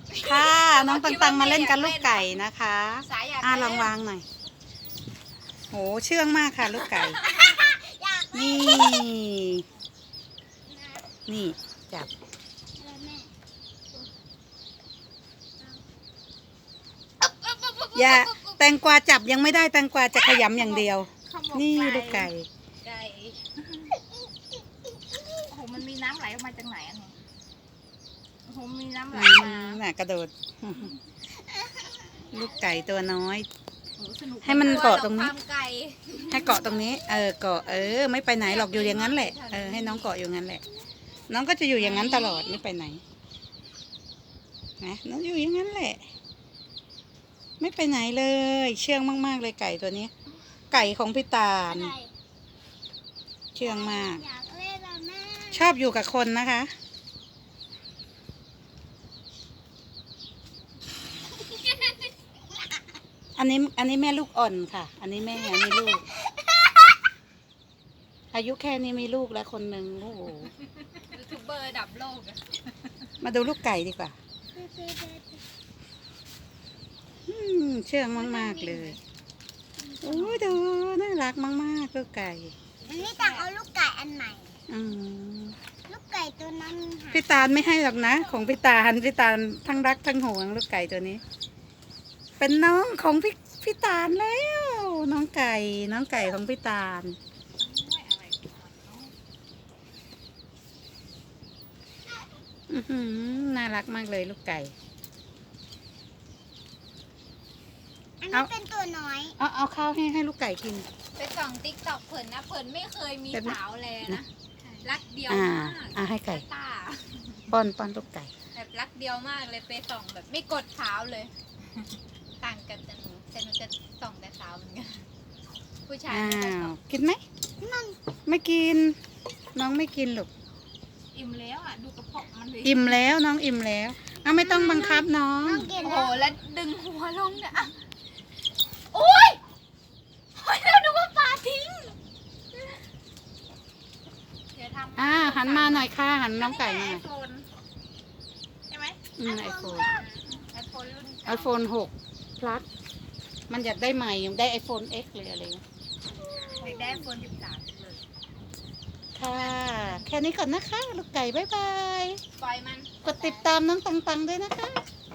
ค่ะน้องตังมาเล่นกันลูกไก่นะคะลองวางหน่อยโหเชื่องมากค่ะลูกไก่นี่นี่จับอย่าแตงกวาจับยังไม่ได้แตงกวาจะขยำอย่างเดียวนี่ลูกไก่โอ้โหมันมีน้ำไหลออกมาจากไหนอันนี้โอ้โหมีน้ำไหลมาน่ะกระโดดลูกไก่ตัวน้อยสนุกให้มันเกาะตรงนี้ความไก่ให้เกาะตรงนี้เกาะไม่ไปไหนหรอกอยู่อย่างนั้นแหละให้น้องเกาะอยู่งั้นแหละน้องก็จะอยู่อย่างนั้นตลอดไม่ไปไหนนะน้องอยู่อย่างนั้นแหละไม่ไปไหนเลยเชื่องมากๆเลยไก่ตัวนี้ไก่ของพี่ตาลเชื่องมากชอบอยู่กับคนนะคะอันนี้แม่ลูกอ่อนค่ะอันนี้แม่อันนี้ลูกอายุแค่นี้มีลูกแล้วคนหนึ่งโอ้โหยูทูบเบอร์ระดับโลกอะมาดูลูกไก่ดีกว่าเชื่องมากๆเลยโอ้ยดูน่ารักมากๆลูกไก่อันนี้ต่างเอาลูกไก่อันใหม่ ลูกไก่ตัวนั้นค่ะพี่ตาลไม่ให้หรอกนะของพี่ตาลทั้งรักทั้งหวงลูกไก่ตัวนี้ เป็นน้องของพี่ตาลแล้วน้องไก่ของพี่ตาลน่ารักมากเลยลูกไก่อันนี้เป็นตัวน้อยเอาข้าวให้ลูกไก่กินไปส่องติ๊กต็อกเผินนะเผินไม่เคยมีแบบนี้สาวเลยนะรักเดียวอ่ามากให้ไก่ตาป้อนลูกไก่แบบรักเดียวมากเลยไปส่องแบบไม่กดเท้าเลย ต่างกันแต่หนูจะส่องแต่เท้าเหมือนกันผู้ชายอ้าไม่ค่อยส่วองกินไหมไม่กินน้องไม่กินหรอกอิ่มแล้วอ่ะดูกระเพาะมันเลยอิ่มแล้วน้องอิ่มแล้วไม่ต้องบังคับน้องน้องกินโอ้โหแล้วแล้วดึงหัวลงเนี่ยอ่ะโอ๊ยโอ๊ยเราดูว่าปลาทิ้งเดี๋ยวทำหันมาหน่อยค่ะหันน้องไก่หน่อยไอโฟนใช่ไหมไอโฟนไอโฟนรุ่นไอโฟน6 plus มันอยากได้ใหม่ได้ไอโฟน X เลยอะไรเงี้ยเด็กได้ไอโฟน13เลยค่ะ แค่นี้ก่อนนะคะ ลูกไก่บ๊ายบายปล่อยมันกดติดตามน้องตังด้วยนะคะ